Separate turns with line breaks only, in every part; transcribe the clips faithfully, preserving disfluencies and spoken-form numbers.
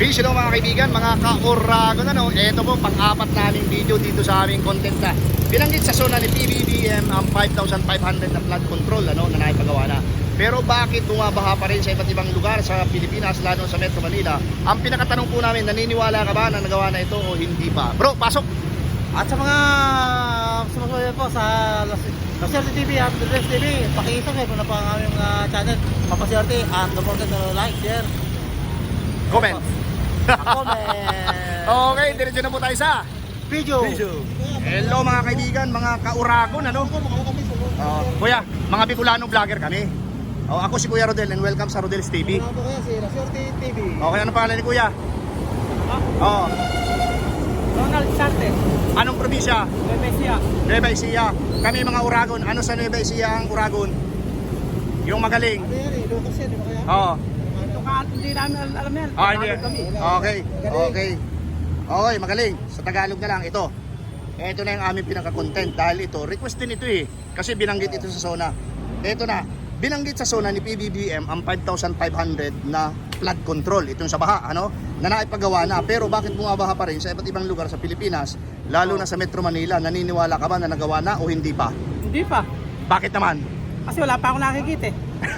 Peace, hello mga kaibigan, mga ka-Oragon, ano, ito po, pang-apat naming video dito sa aming content na binanggit sa zona ni P B B M ang five thousand five hundred na flood control, ano, na naipagawa na. Pero bakit bumabaha pa rin sa iba't ibang lugar sa Pilipinas, lalo sa Metro Manila? Ang pinakatanong po namin, naniniwala ka ba na nagawa na ito o hindi pa? Bro, pasok!
At sa mga sumusunod po sa Laserte T V at Laserte T V, pakisubscribe na po ang aming uh, channel, Papaserte, at don't forget to like, share,
Comment!
comment.
Okay, diretso na po tayo sa
Video.
Hello mga kaibigan, mga ka-Oragon, ano? Uh, kuya, mga Bicolano vlogger kami. Oh, ako si Kuya Rodel and welcome sa Rodel's T V.
Ano po kaya si Laserte T V?
Okay, ano pangalan ni Kuya? Oh,
Ronald Sarte,
anong probinsya?
Bebesia.
Nueva Ecija. Kami mga Uragon. Ano sa Nueva Ecija ang Uragon? Yung magaling.
Ano yan eh, Lucas yan, di ba kaya?
Oo.
Ito ka, hindi namin al- alam yan.
Oh, hindi.
Tagalog kami.
Okay. Okay. Okay, magaling. Sa Tagalog na lang ito. Ito na yung aming pinaka-content dahil ito, request din ito eh. Kasi binanggit ito sa zona. Ito na. Binanggit sa zona ni P B B M ang five thousand five hundred na flood control. Itong sa baha, ano? Na naipagawa na. Pero bakit bumabaha pa rin sa iba't ibang lugar sa Pilipinas, lalo na sa Metro Manila? Naniniwala ka ba na nagawa na o hindi pa?
Hindi pa.
Bakit naman?
Kasi wala pa ako nakikita eh.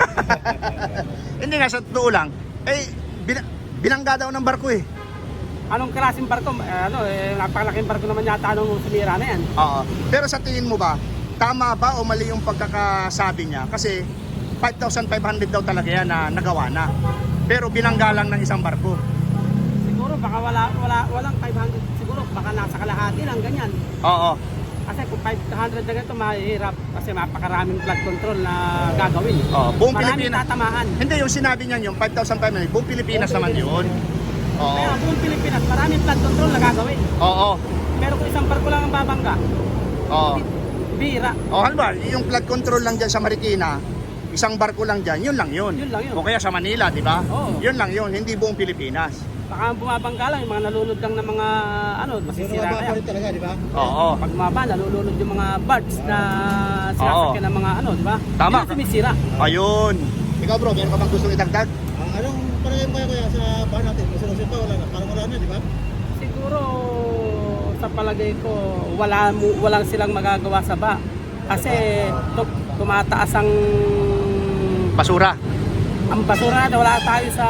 Hindi nga, sa totoo lang, eh, bin- binangga daw ng barko eh.
Anong klaseng barko? Eh, ano, eh, napakalaking barko naman yata nung sumira na yan.
Oo. Pero sa tingin mo ba, tama ba o mali yung pagkakasabi niya? Kasi five thousand five hundred daw talaga yan na nagawa na. Pero binangga lang ng isang barko.
Siguro baka wala, wala, walang five hundred. Siguro baka nasa kalahati lang ganyan.
Oo.
Kasi kung five hundred na ganito, mahirap. Kasi mapakaraming flood control na gagawin.
Oo. Buong
Maraming
Pilipinas.
tatamaan.
Hindi, yung sinabi niya yung five thousand five hundred, buong Pilipinas naman yun. Oo.
Kaya buong Pilipinas, maraming flood control na gagawin.
Oo.
Pero kung isang barko lang ang babangga,
Oo.
bira.
O halimbawa, yung flood control lang dyan sa Marikina, isang barko lang dyan, yun lang yun.
Yun lang yun.
O kaya sa Manila, di ba?
Oo.
Yun lang yun, hindi buong Pilipinas.
Baka bumabangga lang, yung mga nalulod lang ng mga ano, masisira
Sino
kaya.
ba talaga, di ba?
Oo.
Pag bumaba, nalulunod yung mga birds na sinasakyan ng mga ano, di ba?
Tama.
Yun ang sumisira.
Ayun. Ikaw bro, meron ka bang gustong idagdag?
Ang anong parang kaya kaya sa bahan natin? Masunod pa, wala na. Parang wala na, di ba?
Siguro sa palagay ko, wala mo walang silang magagawa sa ba. Kasi tu- tumataas ang
Basura.
ang basura na wala tayo sa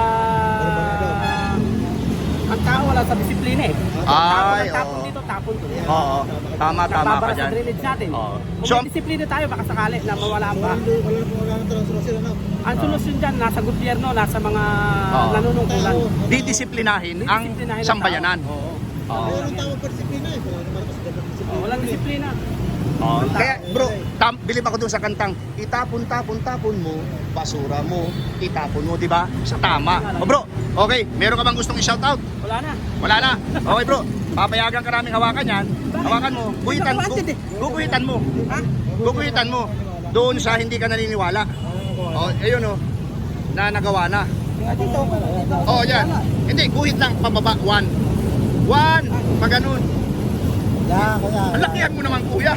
ang tao wala sa disiplina eh.
Ay,
tapon, tapon
oo.
dito, tapon doon.
Oo. Tama, tama ka
Nababara sa
dyan.
drainage natin.
Oo.
Kung
So,
may disiplina tayo, baka sakali na mawala ang
Wala
baha.
na, wala na, wala na talagang solusyon, ano?
Ang solusyon dyan, nasa gobyerno, nasa mga
Oo.
nanunungkulan.
didisiplinahin ang
Didisiplinahin ang
sambayanan.
tao. Oo.
Oo.
Pero ang tawag pa disiplina eh. Wala naman kasi dapat disiplina.
Oh, walang disiplina.
Oo. Kaya bro, tam, bilib ako dun sa kantang itapon, tapon, tapon mo, basura mo, itapon mo, di ba? Sa tama. O bro, okay, meron ka bang gustong i-shout out?
Wala na.
Wala na. Okay bro, papayagan ka namin hawakan yan. Hawakan mo, guhitan, gu, guguhitan mo.
Ha?
Guguhitan mo. Doon sa hindi ka naniniwala. O, ayun o, na nagawa na.
Dito.
O, yan. Hindi, guhit lang, pababa, one. One, pag ganun.
Yeah, kaya.
Ang lakihan mo naman kuya.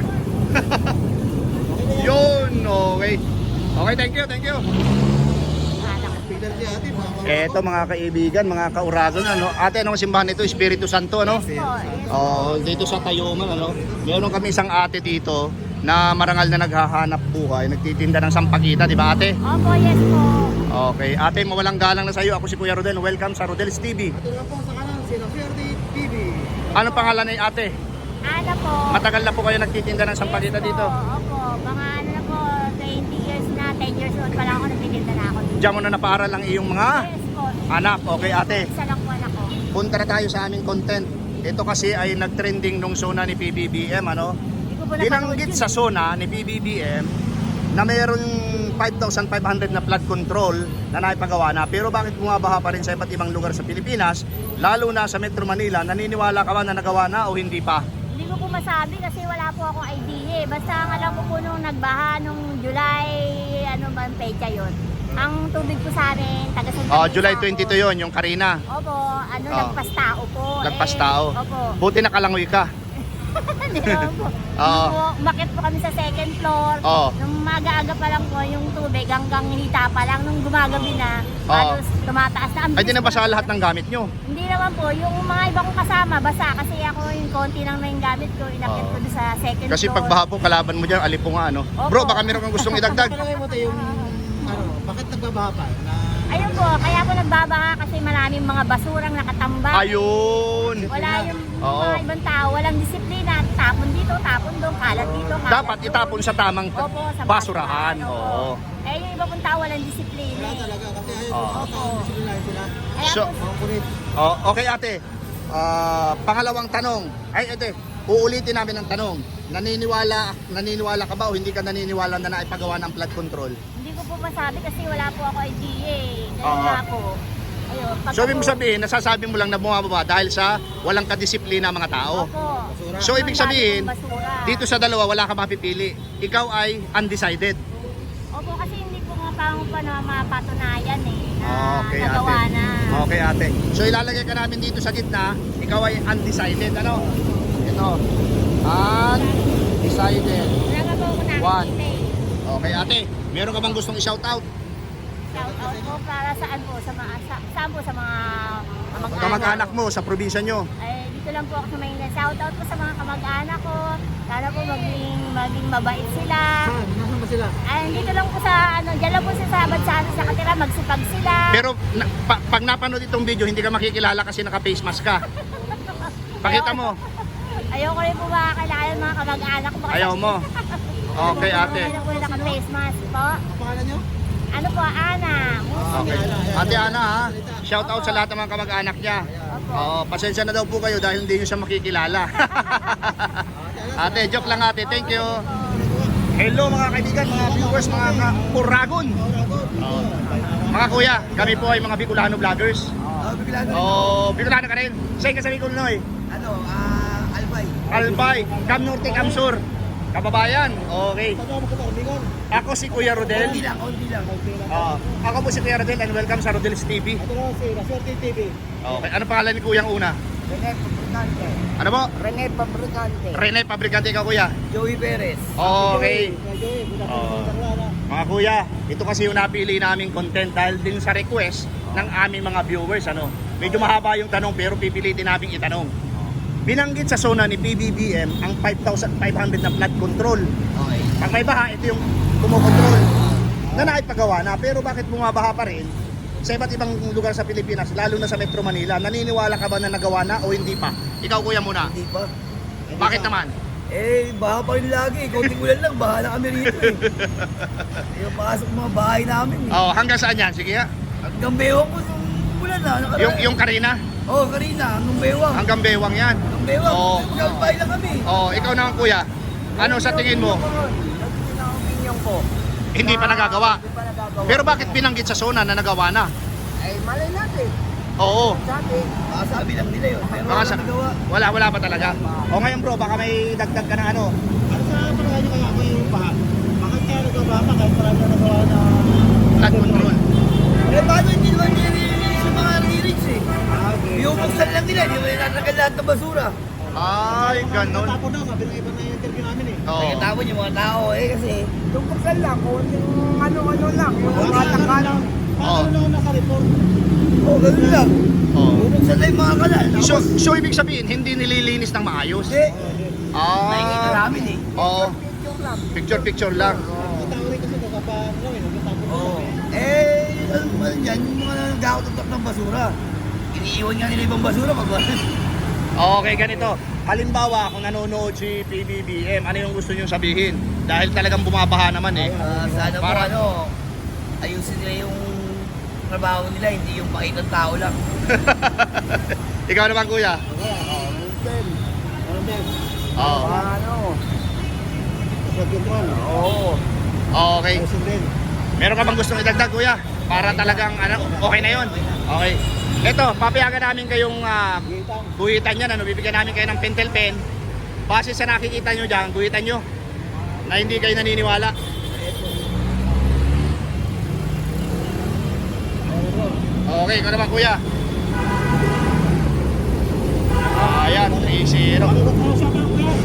Yun, okay. Okay, thank you, thank you.
Tignan niya ate, mga
Eto mga kaibigan, mga ka-Uragon, ano? Ate, anong simbahan nito? Espiritu Santo, ano? Oh, dito sa Tayuman, ano? Meron kami isang ate dito na marangal na naghahanap buhay, nagtitinda ng sampagita, di ba ate?
Opo, yes po.
Okay, ate, mawalang galang na sa iyo. Ako si Kuya Rodel. Welcome sa Rodel's T V.
Ito lang po sa kanan, si Laserte T V.
Ano pangalan ni ate?
Ano po?
Matagal na po kayo nagtitinda ng sampagita
Yes po,
dito?
Opo, mga ano na po, twenty years na, ten years old pa lang ako, nagtitinda na ako dito.
Diyan mo na napaaral ang iyong mga
Yes po.
anak. Okay ate,
Isa lang po anak ko.
punta na tayo sa aming content. Ito kasi ay nagtrending nung zona ni P B B M, ano?
Hindi ko po napanood
Binanggit
yun.
sa zona ni P B B M na mayroong five thousand five hundred na flood control na naipagawa na. Pero bakit bumabaha pa rin sa iba't ibang lugar sa Pilipinas, lalo na sa Metro Manila? Naniniwala ka ba na nagawa na o hindi pa?
Hindi ko po masabi kasi wala po akong idea eh. Basta ang alam ko po nung nagbaha nung July, ano ba ang pecha yun? Ang tubig po sa amin, taga Santa
Oh,
Mesa
July
ako.
twenty-two yon, yung Karina.
Opo, ano,
Oh.
lagpas tao po.
Lagpas
Eh,
tao.
Opo.
Buti nakalangoy ka.
Hindi naman po.
Oo.
Po, umakyat po kami sa second floor.
Oo.
Nung maaga-aga pa lang po yung tubig hanggang hita pa lang. Nung gumagabi na,
Oo.
halos tumataas na. Ang
Ay, di
bilis
na
po
basa
ng
lahat
tubig.
ng gamit nyo.
Hindi naman po. Yung mga iba kong kasama, basa. Kasi ako yung konti lang na yung gamit ko. Inakyat
Oo.
ko doon sa second
Kasi
floor.
pagbaha po, kalaban mo dyan, alipunga, ano?
Opo.
Bro, baka meron kang gustong idagdag.
Palagay mo tayo yung, ano, bakit nagbabaha pa? Na,
Ayun po, kaya po nagbabaha kasi maraming mga basurang nakatambak.
Ayun.
Wala yung
Oo.
mga ibang tao, walang disiplina. Tapon dito, tapon doon, kalat dito, kalat
Dapat
doon.
itapon sa tamang
Opo, sa
basurahan.
Opo.
Oo.
Eh, yung iba pong tao walang disiplina.
wala
eh.
talaga, kasi ayaw
Oo.
ko tao, disiplinahin sila.
Kaya
So-
po,
Mga kulit.
Oh, okay ate. Ah, pangalawang tanong. Ay, ate, uulitin namin ang tanong. Naniniwala, naniniwala ka ba o hindi ka naniniwala na naipagawa ng flood control?
hindi ko po masabi kasi wala po ako idea eh. Kaya
Oo.
nga po. Ayun, pag
So, ibig mo
ako-
sabihin, nasasabi mo lang na bumababa dahil sa walang kadisiplina mga tao.
Opo.
So, ibig
Ang dami
sabihin,
pong basura.
dito sa dalawa, wala ka mapipili. Ikaw ay undecided.
Opo, kasi hindi ko nga pa pa na mapatunayan eh. Na
Okay,
nagawa
ate.
na.
Okay, ate. So, ilalagay ka namin dito sa gitna. Ikaw ay undecided. Ano? Ito. Undecided.
Wala nga po ako
One.
nakikita eh.
Okay, ate. Meron ka bang gustong i-shoutout?
Shout out po para saan po? Sa mga, sa, saan po sa mga kamag-anak?
Kamag-anak mo sa probinsya nyo.
Ay, dito lang po ako sa Maynila. Shout out po sa mga kamag-anak ko. Sana po maging, maging mabait sila.
Saan? Nasaan ba sila?
Ay, dito lang po sa, ano, dyan lang po sa sabad sa ano, sa katira, magsipag sila.
Pero na, pa, pag napanood itong video, hindi ka makikilala kasi naka-face mask ka. Pakita mo.
Ayoko rin po makakilala ng mga kamag-anak ko. kasi-
Ayaw mo. Okay, ate.
Ayoko po yung naka-face mask po.
Ang pangalan nyo?
Ano po, Ana?
Okay. Ate Ana ha, shout out sa lahat ng mga kamag-anak niya. Oo, pasensya na daw po kayo dahil hindi nyo siya makikilala. Ate, joke lang ate. Thank you. Hello mga kaibigan, mga viewers, mga ka-Uragon. Oo. Mga kuya, kami po ay mga Bicolano vloggers.
Oo, bigla na.
Oh, Bicolano ka rin. Saan ka sa Bicol, Noy?
Ano, ah, Albay.
Albay, Cam Norte, Cam Sur. Kababayan, okay.
Kasama ko ba, Bigon?
Ako si Kuya Rodel.
Konti lang, konti lang.
Oo. Ako po si Kuya Rodel and welcome sa Rodel's T V.
Ito na si Raswerte T V.
Okay, ano pangalan ni Kuyang una?
Rene Fabricante.
Ano po?
Rene Fabricante.
Rene, pabrikante ka kuya.
Joey Perez.
Okay.
Joey, good
Oo.
afternoon.
Mga kuya, ito kasi yung napili naming content dahil din sa request ng aming mga viewers. Ano? Medyo mahaba yung tanong pero pipilitin namin itanong. Binanggit sa zona ni P B B M ang five thousand five hundred na flood control.
Okay.
Pag may baha, ito yung kumokontrol. Na naipagawa na, pero bakit bumabaha pa rin sa iba't ibang lugar sa Pilipinas, lalo na sa Metro Manila? Naniniwala ka ba na nagawa na o hindi pa? Ikaw kuya muna.
Hindi pa.
Bakit naman?
Eh, baha pa rin lagi. Konting ulan lang, baha na kami rito eh. Yung pasok mga bahay namin eh.
Oh, hanggang saan yan? Sige nga.
Hanggang bewang ko nung ulan na. Nakaraan.
Yung, yung Karina,
Oo, oh, kanina, hanggang bewang.
hanggang Bewang yan.
Hanggang bewang.
Oo.
Hanggang bahay lang kami.
Oh, ikaw naman kuya. Ano sa tingin mo?
Yun ang opinion ko.
Hindi pa nagagawa.
Hindi pa nagagawa.
Pero bakit binanggit sa zona na nagawa na?
Eh, malay natin.
Oo.
Sabi. Baka sabi lang nila yun. Pero
Baka
wala
sa,
nagawa.
wala, wala pa talaga. O ngayon bro, baka may dagdag ka na ano.
Ano sa palagay nyo kaya kung yung baha? Bakit kaya nagbabaha pa kahit marami na nagawa na...
Flood control.
Eh, paano hindi naman nililinis yung mga lyrics eh?
Ah, okay.
Yung buksan lang nila, hindi mo nilalagay lahat ng basura.
Ay, ganun.
Natapon na, sabi ng iba na yung interview namin eh.
Oo.
Nagkatapon yung mga tao eh kasi
Yung buksan lang, kung yung ano-ano lang, yung
Wala
mga
na,
takalang.
paano lang naka-report?
oh, ganun lang.
Oo.
Bubuksan lang yung mga kanal.
So, so ibig sabihin, hindi nililinis ng maayos?
Hindi. Nakikita
Ah.
namin eh.
Oo. Picture picture lang.
Ang tao rin kasi nagkapa, ano eh, nagkatapon na
Oo.
kami.
Eh, ano ba yan? Yung mga nagkakatok ng basura. Iniiwan nga nila ibang basura pag
Okay, ganito. Halimbawa, kung nanonood si P B B M, ano yung gusto nyo sabihin? Dahil talagang bumabaha naman eh.
Ah, sana po
Para-
ano, ayusin nila yung trabaho nila, hindi yung pakitang tao lang.
Ikaw naman kuya.
Ano din?
Oo.
Ano?
Flood control.
Oo.
Okay.
Ayusin din.
Meron ka bang gustong idagdag kuya? Para talagang ano, okay na yon. Okay. Ito, papayagan namin kayong uh,
Gitang.
guhitan yan. Ano, bibigyan namin kayo ng pentel pen. Base sa nakikita nyo dyan, guhitan nyo. Na hindi kayo naniniwala. Okay, ikaw naman kuya. Ayan, three zero.
Ano ba tayo sa mga kuya? Sa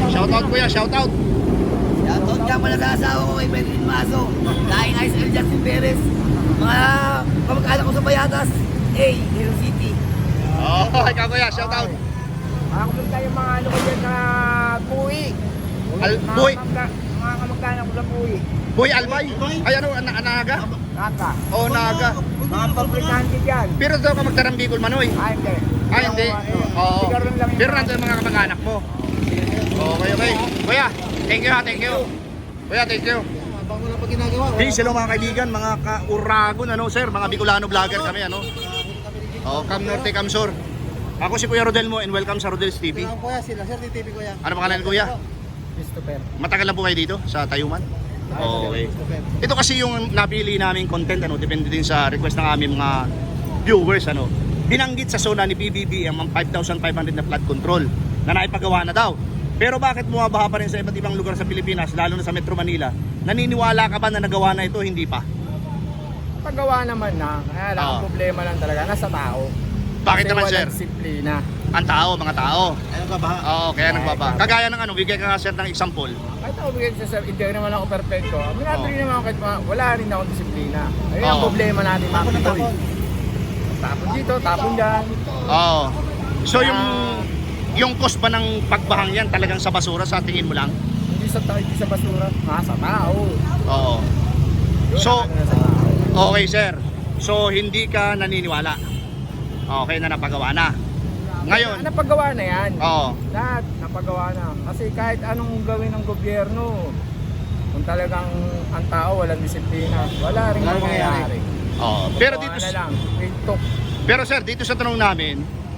Shoutout kuya, shoutout.
Shoutout nga pala sa asawa ko kay Benjamin Maso. Laing I S L Justin Perez. Mga kamag-anak ko sa Bayatas. Hey, Hero City.
Oh, ikaw kuya, shoutout.
Mga kapunta yung mga ano ko dyan na puwi.
Al-
Mga
Boy,
kamagka- Mga kamagkana ko sa puwi.
Boy Albay. Ay ano, ana anaga?
Naka.
Oh, naga.
Mga pabrikante dyan.
Pero daw ka magtarang Bicol Manoy.
Ah, hindi.
Ah, hindi. Oo.
Sigaron lang yung
Pero
mga-
nandun yung mga kamag-anak mo. Okay, okay. Kuya, thank you ha, thank you. Kuya, thank you.
Bago na pag ginagawa.
Hey, hello mga kaibigan, mga ka-Uragon, ano sir, mga Bicolano vlogger kami, ano? Oh, Cam Norte, Cam Sur. Ako si Kuya Rodel mo and welcome sa Rodel's T V.
Kailangan kuya, sila Sir T V kuya.
Ano pangalan kuya?
Christopher.
Matagal na po kayo dito sa Tayuman? Okay. Ito kasi yung napili naming content, ano, depende din sa request ng aming mga viewers, ano. Binanggit sa zona ni P B B M ang five thousand five hundred na flood control na naipagawa na daw. Pero bakit bumabaha pa rin sa iba't ibang lugar sa Pilipinas, lalo na sa Metro Manila? Naniniwala ka ba na nagawa na ito, hindi pa?
Paggawa naman na. Kaya lang,
Ah.
ang problema lang talaga, nasa tao.
Bakit
Kasi
naman, sir?
walang disiplina.
Ang tao, mga tao.
Ayun ka ba?
Oo, kaya nagbaba. Kagaya ng ano, bigay ka nga sir ng example.
Kahit ako bigyan sa sir, hindi naman ako perfecto. Minado
Oh.
rin naman ako kahit mga- wala rin akong disiplina. Ayun ang
Oh.
problema natin mga
Tapon na
Pinoy.
tapon.
Tapon dito, tapon dyan.
Oo. So yung yung cost ba ng pagbahang yan talagang sa basura sa tingin mo lang?
Hindi sa, hindi sa basura, nasa tao.
Oo. So,
Ano sa tao.
okay sir. So hindi ka naniniwala. Okay na napagawa na. Ngayon,
Napagawa na yan.
oo.
Lahat napagawa na. Kasi kahit anong gawin ng gobyerno, kung talagang ang tao walang disiplina, wala rin
Wala rin
mangyayari.
Oo. Pero
Gawa
dito
na lang, TikTok.
Pero sir, dito sa tanong namin,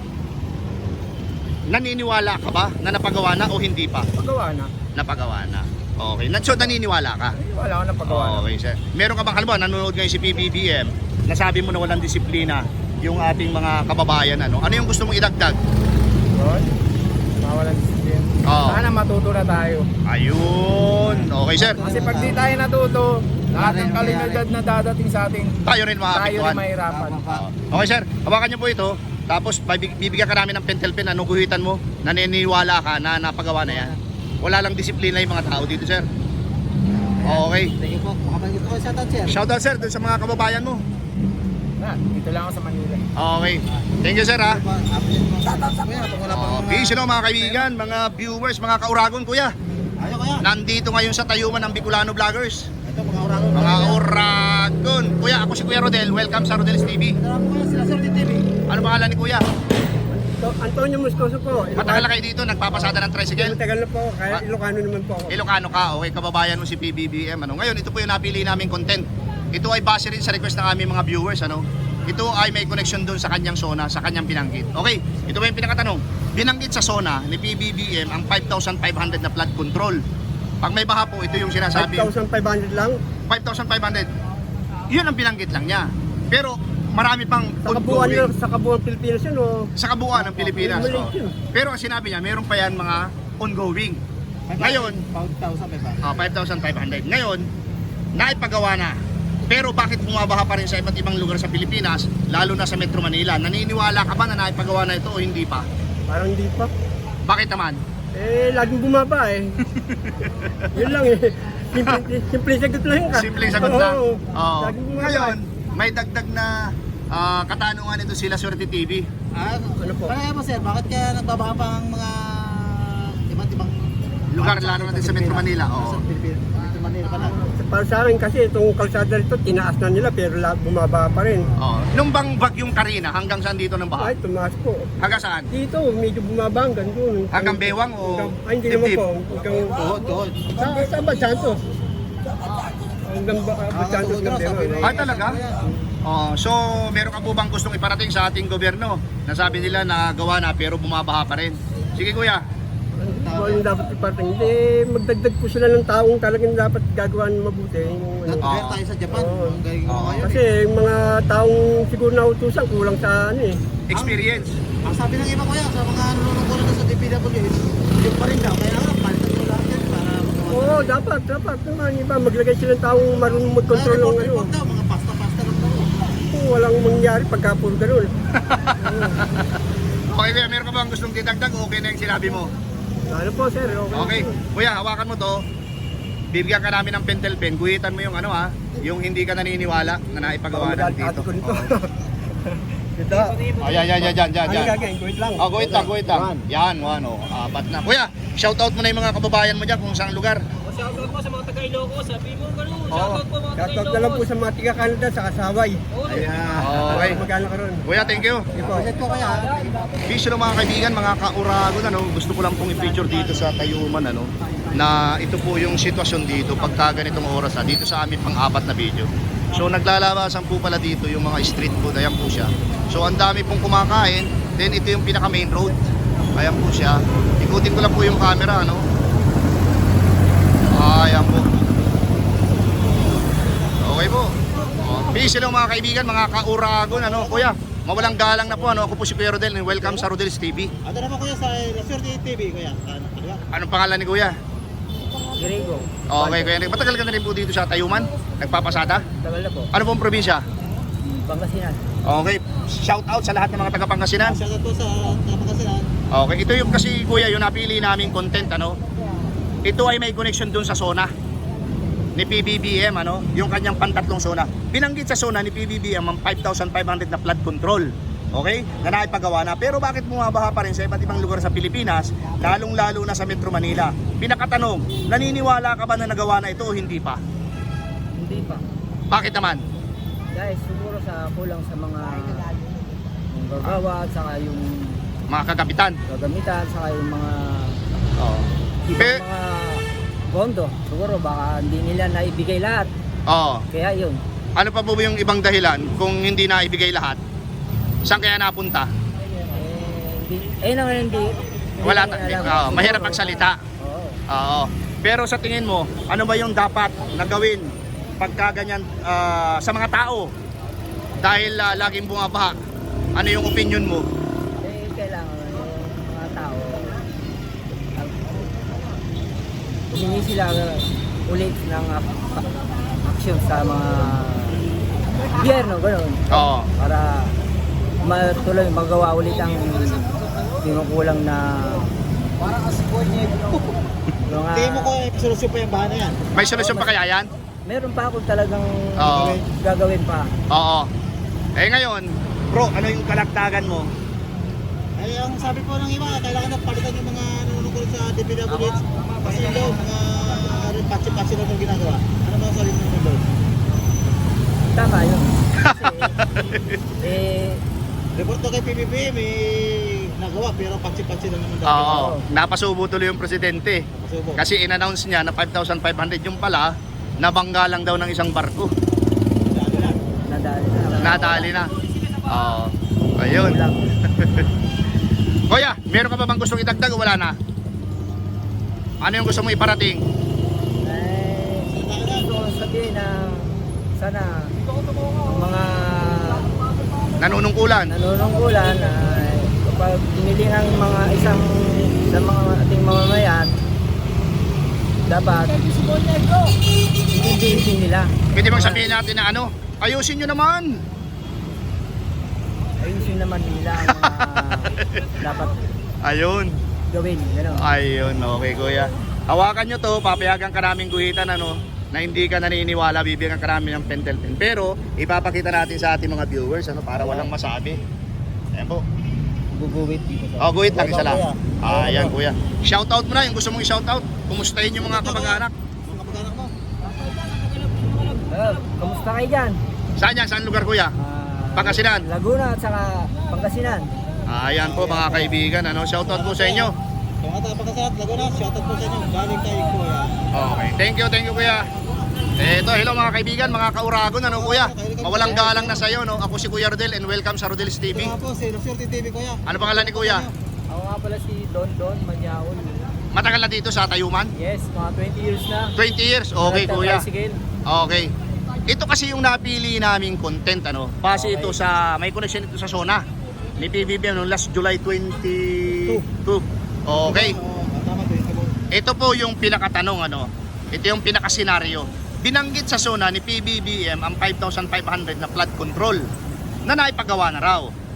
naniniwala ka ba na napagawa na o hindi pa?
Pagawa na.
Napagawa na. Okay. Na- So naniniwala ka?
Ay, wala ko napagawa na.
Okay, sir. Meron ka bang halimbawa nanonood ngayon si P B B M, nasabi mo na walang disiplina yung ating mga kababayan, ano? Ano yung gusto mong idagdag?
Yun. Mawalan disiplina.
Oo.
Sana matuto na tayo.
Ayun. Okay, sir.
Kasi pag di tayo natuto, lahat ng kalinidad na dadating sa atin,
Tayo rin
tayo
makakapituan.
rin mahirapan.
Okay, sir. Hawakan niyo po ito. Tapos bibig- bibigyan ka namin ng pentel pen. Ano guhitan mo? Naniniwala ka na napagawa na yan. Wala lang disiplina yung mga tao dito, sir. Okay.
Thank you po. Makabanggit ko sa Sir.
Shoutout, sir, dun sa mga kababayan mo.
Na, dito lang ako sa Manila.
Okay. Thank you, sir, ha.
Kuya, kung wala pang
Oh, peace, you know, mga kaibigan, mga viewers, mga kauragon, kuya.
Ayaw kuya.
Nandito ngayon sa Tayuman ng Bicolano Vloggers.
Ito mga uragon.
Mga uragon. Kuya, ako si Kuya Rodel. Welcome sa Rodel's T V.
Kailangan po kuya, sila Sir T V.
Ano pangalan ni Kuya?
Antonio Moscoso po.
Matagal na kayo dito, nagpapasada ng tricycle.
Matagal na po, kaya
Ah.
Ilocano naman po ako.
Ilocano ka, okay, kababayan mo si P B B M. Ano? Ngayon, ito po yung napili naming content. Ito ay base rin sa request ng aming mga viewers. Ano? Ito ay may connection doon sa kanyang zona, sa kanyang binanggit. Okay, ito ba yung pinakatanong? Binanggit sa zona ni P B B M ang five thousand five hundred na flood control. Pag may baha po, ito yung sinasabi.
five thousand five hundred lang.
five thousand five hundred. Yun ang binanggit lang niya. Pero marami pang
Sa kabuuan,
ongoing.
ng- sa kabuuan Pilipinas yun, oh.
Sa kabuuan ng Pilipinas.
Maliit
Oh.
yun.
Pero ang sinabi niya, meron pa yan mga ongoing. Ngayon,
five thousand may ba?
ah, five thousand five hundred. Ngayon, naipagawa na. Pero bakit bumabaha pa rin sa iba't ibang lugar sa Pilipinas, lalo na sa Metro Manila? Naniniwala ka ba na naipagawa na ito o hindi pa?
Parang hindi pa.
Bakit naman?
Eh, laging bumaba eh. Yun lang eh. Simple, simple sagot lang ka.
Simple sagot lang.
Oo.
Oo.
Laging bumaba.
Ngayon, may dagdag na ah, katanungan ito sila Swerte T V.
Ah,
Ano po?
Kaya mo sir, bakit kaya nagbabaha pa ang mga iba't ibang
Lugar, lalo natin sa Metro Manila. Oo.
Sa Pilipinas. Metro Manila pala.
Para sa akin kasi itong kalsada rito, tinaas na nila pero la- bumaba pa rin.
Oo. Nung bang bagyong Karina, hanggang saan dito ng baha?
Ay, tumaas po.
Hanggang saan?
Dito, medyo bumaba hanggang doon.
Hanggang Bewang o
Hanggang, ay, hindi naman
Dibdib?
po. Hanggang,
Tuhod, tuhod.
sa, sa Bad Santos. Hanggang ba, Bad Santos
tuhod raw,
hanggang
sabi
Bewang.
Ah, talaga? Oh, so meron ka po bang gustong iparating sa ating gobyerno? Nasabi nila na gawa na pero bumabaha pa rin. Sige kuya.
Ano yung dapat iparting? Hindi, magdagdag po sila ng taong talagang dapat gagawa ng mabuti. Yung, ano.
Kaya tayo sa Japan.
Oo.
Ang galing mo
Oo.
ngayon.
Kasi yung mga taong siguro nautusan kulang sa ano eh.
Experience.
Ang sabi ng iba kuya, sa mga nanonood ko na sa D P W H, yung pa rin daw. Kaya nga, palitan ko lahat yan para magawa.
Oo, dapat, dapat naman. Iba, maglagay sila ng taong marunong mag-control ng ano.
Report daw, mga pasta-pasta lang daw.
Oo, walang mangyari pagka puro ganun.
Okay kuya, meron ka bang gustong ditagdag o okay na yung sinabi mo?
Ano po sir, okay.
Okay. Kuya, hawakan mo to. Bibigyan ka namin ng pentel pen. Guhitan mo yung ano ha, yung hindi ka naniniwala na naipagawa na dito.
Ko nito. Ito.
Oh, yan, yan, yan, yan, yan.
Ano
yan.
gagawin? Guhit lang.
Oh, guhit lang, guhit lang. Yan, one, oh. Apat na. Kuya, shoutout mo na yung mga kababayan mo dyan kung saan lugar.
Shoutout po sa mga taga-Iloco, sabi mo ganun.
Oo.
Shoutout po mga
Shoutout na lang po sa mga tiga Canada sa Kasaway.
Ayan. Okay.
Magkano ka ron?
Kuya, thank you.
Sige po. Set po kaya.
Vision ng mga kaibigan, mga kauragon, ano, gusto ko lang pong i-feature dito sa Tayuman, ano, na ito po yung sitwasyon dito pagka ganitong oras na dito sa amin pang-apat na video. So naglalabasan po pala dito yung mga street food, ayan po siya. So ang dami pong kumakain, then ito yung pinaka main road. Ayan po siya. Ikutin ko lang po yung camera, ano. Ayan po. Okay po. Oh, peace lang mga kaibigan, mga kauragon, ano, kuya. Mawalang galang na po, ano, ako po si Kuya Rodel and welcome sa Rodel's T V.
Ano naman kuya sa Laswerte T V kuya? Ano, ano ba?
Anong pangalan ni Kuya?
Grego.
Okay, Kuya. Matagal ka na rin po dito sa Tayuman? Nagpapasada?
Tagal na po.
Ano pong probinsya?
Pangasinan.
Okay, shout out sa lahat ng mga taga Pangasinan.
Shoutout po sa Pangasinan.
Okay, ito yung kasi Kuya, yung napili naming content, ano. Ito ay may connection dun sa zona ni P B B M, ano, yung kanyang pantatlong zona. Binanggit sa zona ni P B B M ang five thousand five hundred na flood control. Okay? Na naipagawa na. Pero bakit bumabaha pa rin sa iba't ibang lugar sa Pilipinas, lalong-lalo na sa Metro Manila? Pinakatanong, naniniwala ka ba na nagawa na ito o hindi pa?
Hindi pa.
Bakit naman?
Guys, siguro sa kulang sa mga yung gagawa at saka yung
Mga kagabitan.
gagamitan, saka yung mga
Oo.
ibang
Pe-
mga bondo. Siguro baka hindi nila naibigay lahat.
Oo.
Kaya yun.
Ano pa po yung ibang dahilan kung hindi na ibigay lahat? Saan kaya napunta?
Eh, hindi, eh naman hindi. hindi
Wala
namin
ta-
alam.
oo,
Siguro,
mahirap magsalita.
Oo.
Oo. Pero sa tingin mo, ano ba yung dapat na gawin pagka ganyan ah, sa mga tao? Dahil ah, laging bumabaha. Ano yung opinion mo?
Eh, kailangan yung mga tao humingi sila ulit ng action sa mga gobyerno, gano'n.
Oo.
Para matuloy magawa ulit ang kinukulang na mga...
Tingin mo ko eh, solusyon pa yung bahan na yan.
May solusyon pa kaya yan?
Meron pa ako talagang
Oo.
gagawin pa.
Oo. Eh ngayon, bro, ano yung kalagtagan mo?
Ay, ang sabi po ng iba, kailangan na palitan yung mga nanonood sa D P W H. Kasi yung mga rin patsi-patsi na itong ginagawa. Ano mga sabi mo doon?
Tama yun. Kasi, eh,
Report to kay P B B, may nagawa pero patsi-patsi lang naman daw.
Oo. Napasubo tuloy yung presidente.
Masubo.
Kasi in-announce niya na five thousand five hundred yung pala, nabangga lang daw ng isang barko.
nadali na.
Nadali na. Oo. Ayun.
Lang.
Kuya, meron ka pa bang gustong idagdag o wala na? Ano yung gusto mong iparating?
Eh, gusto ko sabihin na sana ang mga
Nanunungkulan.
nanunungkulan ay kapag pinili ng mga isang sa mga ating mamamayan, dapat intindihin nila.
Pwede bang sabihin natin na ano? Ayusin nyo naman.
Ayusin naman nila ang mga dapat
Ayun.
gawin. Gano'n.
Ayun, okay kuya. Hawakan nyo to, papayagan ka namin guhitan, ano, na hindi ka naniniwala, bibigyan ka namin ng pentel pen. Pero, ipapakita natin sa ating mga viewers, ano, para walang masabi. Ayan po.
Guguwit dito.
Oh, guhit lang isa lang.
Kuya.
Ah, ayan kuya. Shoutout mo na, yung gusto mong i-shoutout. Kumustahin yung mga kamag-anak.
Mga kapag-anak mo.
Uh, kamusta kayo dyan?
Saan yan? Saan lugar kuya?
Ah,
Pangasinan.
Laguna at saka Pangasinan.
Ah, ayan po mga kaibigan, ano, shoutout po sa inyo.
Kung ata pagkasarap, Laguna, shoutout po sa inyo. Galing kay Kuya.
Okay, thank you, thank you kuya. Eh, ito, hello mga kaibigan, mga kauragon, ano kuya? Mawalang galang na sa'yo, no? Ako si Kuya Rodel and welcome sa Rodel's T V.
Ito nga po, si Laswerte T V, Kuya.
Ano pangalan ni kuya?
Ako nga pala si Don Don Manyaon.
Matagal na dito sa Tayuman?
Yes, mga twenty years na.
twenty years? Okay kuya.
Tricycle.
Okay. Ito kasi yung napili naming content, ano? Kasi ito sa, may connection ito sa zona ni P B B M noong last July twenty-two. Okay.
Oo, tama po, ito po.
Ito po yung pinakatanong, ano? Ito yung pinakasenaryo. Binanggit sa zona ni P B B M ang five thousand five hundred na flood control na naipagawa na raw.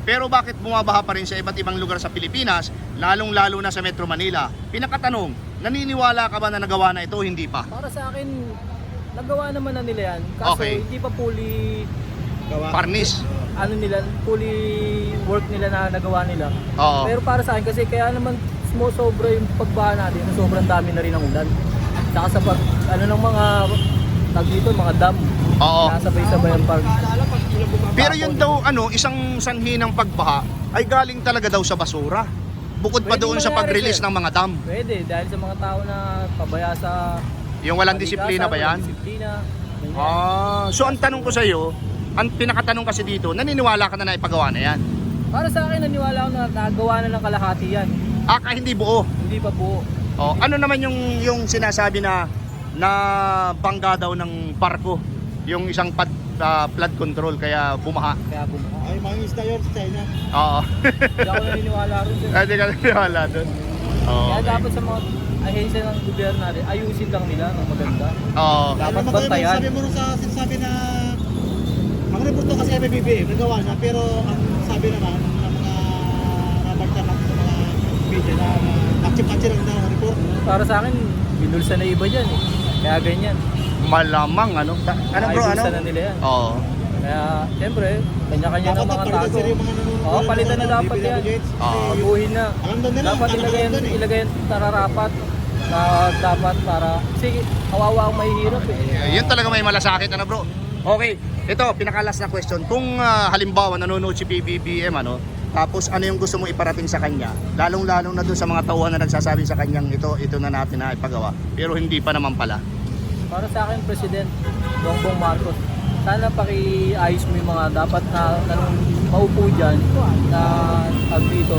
Pero bakit bumabaha pa rin sa iba't ibang lugar sa Pilipinas, lalong-lalo na sa Metro Manila? Pinakatanong, naniniwala ka ba na nagawa na ito o hindi pa?
Para sa akin, nagawa naman na nila yan. Kaso
Okay.
hindi pa fully,
Gawa.
Parnis.
ano nila, fully work nila na nagawa nila.
Oo.
Pero para sa akin kasi kaya naman mo sobra yung pagbaha natin, na sobrang dami na rin ang ulan. Saka sa pag, ano ng mga, tag dito, mga dam.
Oo.
Nasabay-sabay ang pag,
Pero yun daw, ano, isang sanhi ng pagbaha ay galing talaga daw sa basura. Bukod pa
Pwede
doon sa
mangyari,
pag-release
sir.
ng mga dam.
pwede, dahil sa mga tao na pabaya sa
Yung walang disiplina ba yan?
walang disiplina. ganyan.
Ah, so ang tanong ko sa iyo, ang pinakatanong kasi dito, naniniwala ka na naipagawa na yan?
Para sa akin, naniwala ako na nagawa na ng kalahati yan.
Aka hindi buo.
Hindi pa buo.
Oh, ano naman yung yung sinasabi na na bangga daw ng barko, yung isang pad, ah, flood control kaya bumaha.
Kaya bumuha.
Ay, mga isda yun sa China.
Oo.
Hindi ako naniniwala rin. sir.
Hindi ka naniniwala doon. Oo.
Kaya dapat sa mga ahensya ng gobyerno natin, ayusin lang nila ng maganda.
Oo.
Dapat
Ano naman kayo,
bantayan.
sabi mo rin sa sinasabi na ang report to kasi M B B M, nagawa na, pero ang sabi naman ng mga nabalta natin sa mga media na patsi-patsi lang daw ang report.
Para sa akin, binulsa na iba dyan eh. Kaya ganyan.
Malamang ano? Ta- ano bro, ano?
Ayusin na nila yan.
Oo.
Kaya, siyempre, kanya-kanya ng
Dapat
mga
palitan
tago.
sila yung mga nanonood.
Oo, palitan na dapat yan.
Oo.
Baguhin na.
Alam doon nila,
Dapat
alam
ilagay
doon eh.
ilagay tararapat na dapat para sige, kawawa ang mahihirap eh.
Y- Yun talaga may malasakit ano bro. Okay, ito pinakalas na question. Kung ah, halimbawa nanonood si P B B M ano, tapos ano yung gusto mo iparating sa kanya? Lalong-lalong na doon sa mga tauhan na nagsasabi sa kanyang ito, ito na natin na ipagawa. Pero hindi pa naman pala.
Para sa akin, President Bongbong Marcos, sana paki-ayos mo yung mga dapat na nanong maupo dyan na tag dito.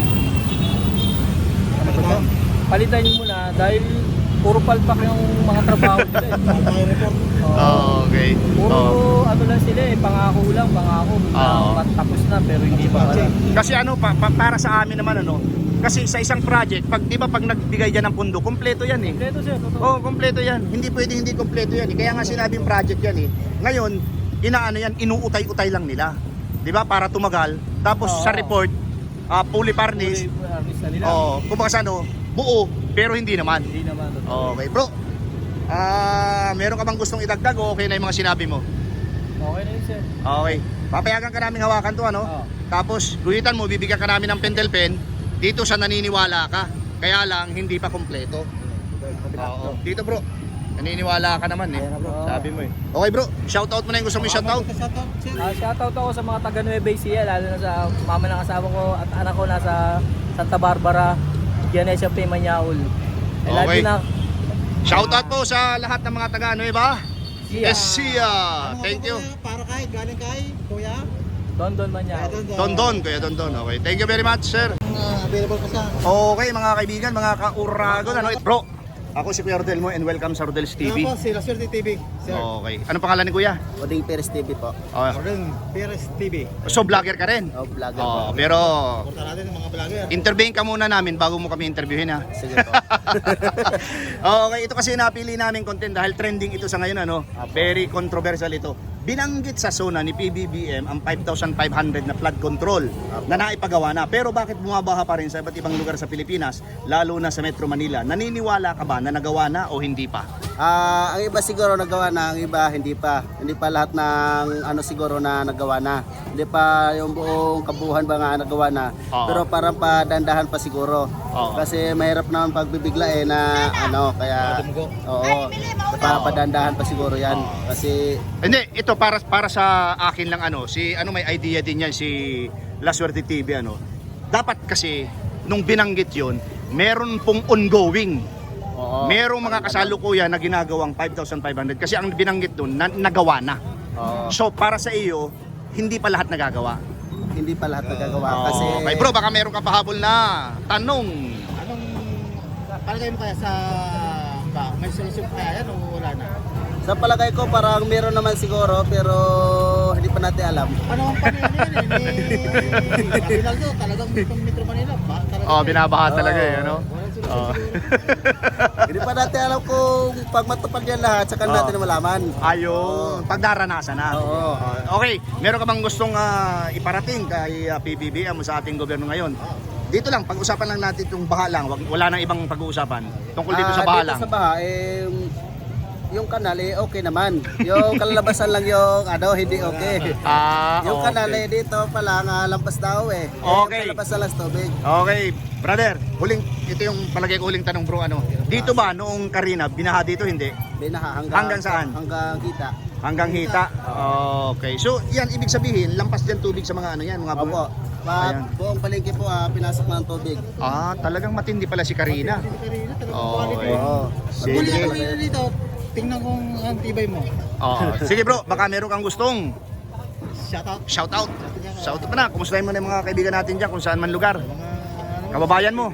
Ano ba ito? Palitan nyo muna dahil puro palpak yung mga trabaho nila eh.
May report.
Oo.
Okay.
Puro
Oo.
ano lang sila eh, pangako lang, pangako.
Oo.
Na tapos na pero hindi pa pala.
Kasi ano pa, pa- para sa amin naman ano, kasi sa isang project, pag di ba pag nagbigay diyan ng pundo, kumpleto yan eh.
Kompleto sir, totoo.
Oh, kumpleto yan. Hindi pwede hindi kumpleto yan. Eh. Kaya nga sinabing project yan eh. Ngayon, inaano yan, inuutay-utay lang nila. 'Di ba? Para tumagal. Tapos
Oo.
sa report, ah fully furnished.
Puro harvest na nila.
Oh, kumbaga sa ano, buo pero hindi naman.
Hindi naman. Totoo.
Okay, bro. Ah, meron ka bang gustong idagdag o okay na yung mga sinabi mo?
Okay na yun sir.
Okay. Papayagan ka namin hawakan 'to ano?
Oo.
Tapos guhitan mo, bibigyan ka namin ng pentel pen dito sa naniniwala ka. Kaya lang hindi pa kumpleto. Oo. Dito bro. Naniniwala ka naman eh. Sabi mo eh. Okay bro, shoutout mo na yung gusto mo i-shoutout.
Shoutout, sir.
Ah, shoutout ako sa mga taga Nueva Ecija, lalo na sa mama ng asawa ko at anak ko nasa Santa Barbara, Gianesia P. Manyaul. I love
Okay.
you na.
Shoutout po sa lahat ng mga taga Nueva
Ecija.
Ecija.
Ano
Thank
nga
you.
po, kuya? Para kay, galing kay, kuya.
Don Don Manyaul.
Don Don, Kuya Don Don. Okay, thank you very much, sir.
Uh, available pa sa
Okay, mga kaibigan, mga ka-uragon, ano, bro, ako si Kuya Rodel mo and welcome sa Rodel's T V.
Ano po, si La Suerte T V. Sir.
Okay, anong pangalan ni Kuya?
Oding Perez T V po.
Oh,
Orden Perez T V.
so, vlogger ka rin?
O, vlogger
Oh,
po.
pero
Porta natin ng mga vlogger.
interviewin ka muna namin bago mo kami interviewin ha.
Sige po.
Okay, ito kasi napili namin content dahil trending ito sa ngayon ano. Very controversial ito. Binanggit sa SONA ni P B B M ang five thousand five hundred na flood control na naipagawa na. Pero bakit bumabaha pa rin sa iba't ibang lugar sa Pilipinas, lalo na sa Metro Manila? Naniniwala ka ba na nagawa na o hindi pa?
Ah, ang iba siguro nagawa na, ang iba hindi pa. Hindi pa lahat ng ano siguro na nagawa na. Hindi pa yung buong kabuuan ba nga nagawa na.
Oo.
Pero parang padandahan pa siguro.
Oo.
Kasi mahirap naman pagbibigla eh na ano, kaya oo. Pa padandahan pa siguro 'yan. Kasi
Hindi, ito para para sa akin lang ano, si ano may idea din yan si La Suerte T V ano. Dapat kasi nung binanggit 'yon, meron pong ongoing.
oo.
Merong mga kasalukuyan na ginagawang five thousand five hundred kasi ang binanggit doon na, nagawa na.
Oo.
So para sa iyo, hindi pa lahat nagagawa.
Hindi pa lahat nagagawa kasi
Okay, bro, baka meron ka pahabol na tanong.
Anong palagay mo kaya sa ba? May solusyon kaya yan o wala na?
sa palagay ko parang meron naman siguro pero hindi pa natin alam.
Ano ang panahon yun eh? Ni Rinaldo, talagang itong Metro Manila ba? Talagang
Oh, binabaha
Oo.
talaga eh, ano?
Walang
Oh.
Hindi pa natin alam kung pag matupad yan lahat, saka
Oo.
natin malaman.
Ayun, pagdaranasan na.
Oo.
Uh, okay, meron ka bang gustong ah, iparating kay ah, P B B M sa ating gobyerno ngayon? Dito lang, pag-usapan lang natin itong baha lang, wag, wala nang ibang pag-uusapan. Tungkol dito sa
Ah,
baha
dito
lang.
sa baha, eh, yung kanal eh, okay naman. Yung kalalabasan lang yung ano, hindi okay.
Ah,
Yung
okay.
kanal eh, dito pala nga lampas daw eh. Eh,
Okay.
Yung kalabas lang sa tubig.
Okay, brother, huling, ito yung palagay ko huling tanong bro, ano? Dito ba noong Karina, binaha dito hindi?
Binaha hanggang,
Hanggang saan?
Hanggang kita.
Hanggang hita? Okay, so yan ibig sabihin, lampas dyan tubig sa mga ano yan, mga bu-
Opo. Pa,
Ayan.
buong palengke po ah, pinasok na ng tubig.
Ah, talagang matindi pala si Karina.
Karina, talagang
Okay.
quality.
Oo.
Huli
Sige.
ako nila dito, tingnan kong ang tibay mo.
Oh, sige bro, baka meron kang gustong
Shout out.
shout out. Shout out pa na, kumustahin mo na yung mga kaibigan natin dyan kung saan man lugar. Kababayan mo.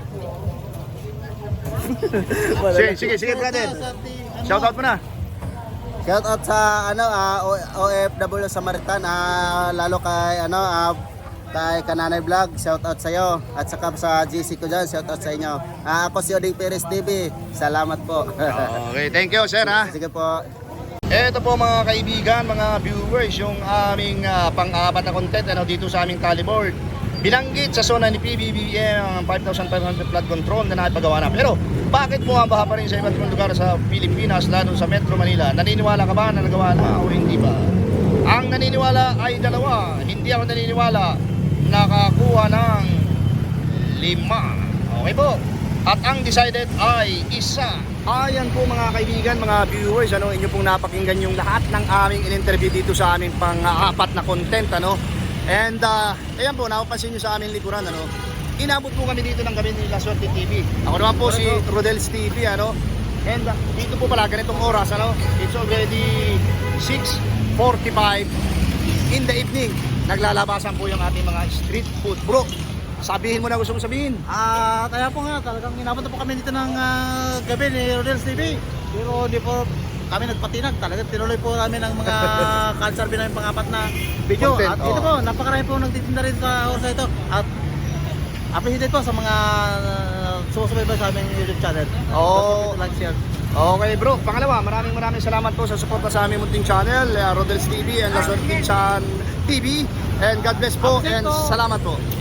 sige, sige, sige brother. Shout out mo na.
Shout out sa ano ah, O- OFW Samaritan, ah, lalo kay ano ah, kay Kananay Vlog, shout out sa iyo at saka sa G C ko diyan, shout out sa inyo. Ah, ako si Oding Perez T V. Salamat po.
Okay, thank you sir ha.
Sige po.
Eto po mga kaibigan, mga viewers, yung aming ah, pang-apat na content ano, dito sa aming tallyboard. Binanggit sa zona ni P B B M ang five thousand five hundred flood control na naipagawa na. Pero bakit po ang baha pa rin sa iba't ibang lugar sa Pilipinas, lalo sa Metro Manila? Naniniwala ka ba na nagawa na o hindi ba? Ang naniniwala ay dalawa. Hindi ako naniniwala nakakuha ng lima. Okay po. At ang decided ay isa. Ayan po mga kaibigan, mga viewers, ano, inyo pong napakinggan yung lahat ng aming in-interview dito sa aming pang-apat na content, ano. And uh, ayan po, napapansin nyo sa aming likuran, ano. Inabot po kami dito ng gabi ni La Suerte T V. Ako naman po si Rodel's T V, ano. And uh, dito po pala ganitong oras, ano. It's already six forty-five in the evening. Naglalabasan po yung ating mga street food. Bro, sabihin mo na gusto mo sabihin.
Ah, kaya po nga, talagang inabot na po kami dito ng ah, gabi ni Rodel's T V. Pero hindi po kami nagpatinag. Talagang tinuloy po namin ang mga cancer namin pang-apat na video.
Content,
At ito
oh.
po, napakarami po nagtitinda rin sa oras na ito. At appreciate po sa mga uh, sumusubaybay sa aming YouTube channel.
Oh.
Like, share.
Okay bro, pangalawa, maraming maraming salamat po sa suporta sa aming munting channel, uh, Rodel's T V and La Suerte Chan T V. And God bless po and salamat po.